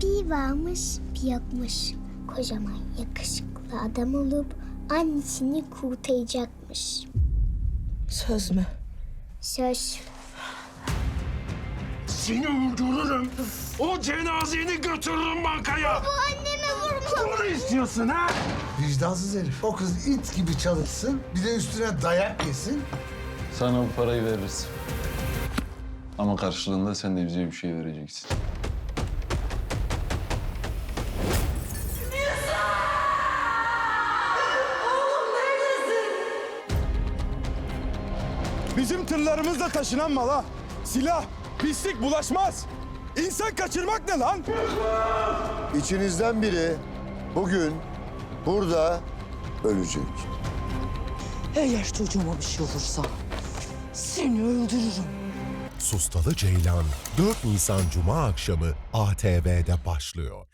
Bir varmış bir yokmuş. Kocaman yakışıklı adam olup annesini kurtaracakmış. Söz mü? Söz. Seni öldürürüm. O cenazeni götürürüm bankaya. Bu anneme vurma. Bunu istiyorsun ha? Vicdansız herif. O kız it gibi çalışsın, bir de üstüne dayak yesin. Sana bu parayı veririz. Ama karşılığında sen de bize bir şey vereceksin. Bizim tırlarımızla taşınan mala silah, pislik bulaşmaz. İnsan kaçırmak ne lan? İçinizden biri bugün burada ölecek. Eğer çocuğuma bir şey olursa seni öldürürüm. Sustalı Ceylan 4 Nisan Cuma akşamı ATV'de başlıyor.